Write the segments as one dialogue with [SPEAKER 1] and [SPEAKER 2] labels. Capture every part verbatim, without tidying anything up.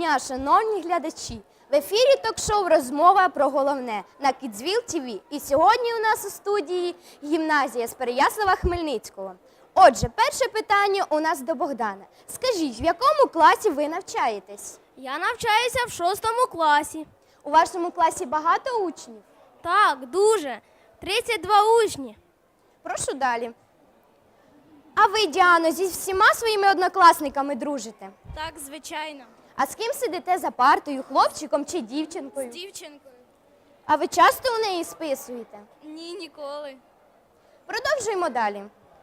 [SPEAKER 1] дня, шановні глядачі! В ефірі ток-шоу «Розмова про головне» на Кідзвіл ТВ. І сьогодні у нас у студії гімназія з Переяслава-Хмельницького. Отже, перше питання у нас до Богдана. Скажіть, в якому класі ви навчаєтесь?
[SPEAKER 2] Я навчаюся в шостому класі.
[SPEAKER 1] У вашому класі багато учнів?
[SPEAKER 2] Так, дуже. тридцять два учні.
[SPEAKER 1] Прошу далі. А ви, Діано, зі всіма своїми однокласниками дружите?
[SPEAKER 2] Так, звичайно.
[SPEAKER 1] А з ким сидите за партою, хлопчиком чи дівчинкою?
[SPEAKER 2] З дівчинкою?
[SPEAKER 1] А ви часто у неї списуєте?
[SPEAKER 2] Ні, ніколи.
[SPEAKER 1] Продовжуємо далі.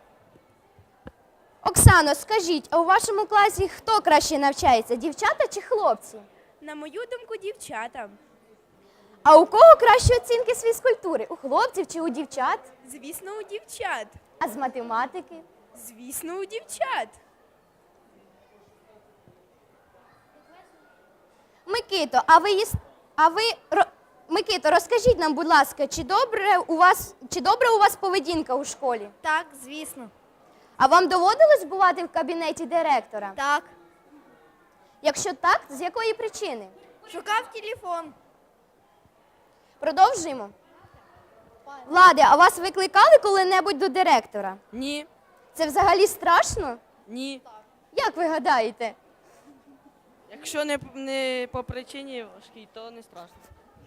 [SPEAKER 1] Оксано, скажіть, а у вашому класі хто краще навчається, дівчата чи хлопці?
[SPEAKER 2] На мою думку, дівчата.
[SPEAKER 1] А у кого кращі оцінки з фізкультури? У хлопців чи у дівчат?
[SPEAKER 2] Звісно, у дівчат.
[SPEAKER 1] А з математики?
[SPEAKER 2] Звісно, у дівчат.
[SPEAKER 1] Микито, а ви їс... а ви ро- Микито, розкажіть нам, будь ласка, чи добре у вас чи добра у вас поведінка у школі?
[SPEAKER 2] Так, звісно.
[SPEAKER 1] А вам доводилось бувати в кабінеті директора?
[SPEAKER 2] Так.
[SPEAKER 1] Якщо так, з якої причини?
[SPEAKER 2] Шукав телефон.
[SPEAKER 1] Продовжуємо. Влади, а вас викликали коли-небудь до директора?
[SPEAKER 3] Ні,
[SPEAKER 1] Це взагалі страшно?
[SPEAKER 3] ні.
[SPEAKER 1] Як ви гадаєте?
[SPEAKER 3] Якщо не, не по причині важкій, то не страшно.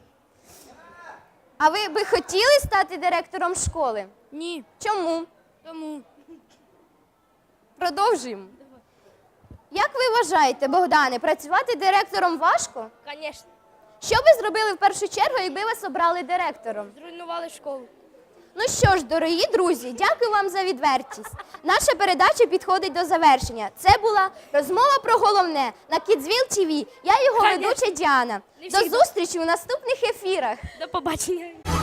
[SPEAKER 1] А ви би хотіли стати директором школи?
[SPEAKER 2] Ні.
[SPEAKER 1] Чому?
[SPEAKER 2] Тому.
[SPEAKER 1] Продовжуємо. Як ви вважаєте, Богдане, працювати директором важко?
[SPEAKER 2] Звісно.
[SPEAKER 1] Що ви зробили в першу чергу, якби вас обрали директором?
[SPEAKER 2] Зруйнували школу.
[SPEAKER 1] Ну що ж, дорогі друзі, дякую вам за відвертість. Наша передача підходить до завершення. Це була розмова про головне на Кідзвіл ТВ. Я його
[SPEAKER 2] Конечно.
[SPEAKER 1] ведуча Діана.
[SPEAKER 2] Не
[SPEAKER 1] До
[SPEAKER 2] всі-
[SPEAKER 1] зустрічі у наступних ефірах.
[SPEAKER 2] До побачення.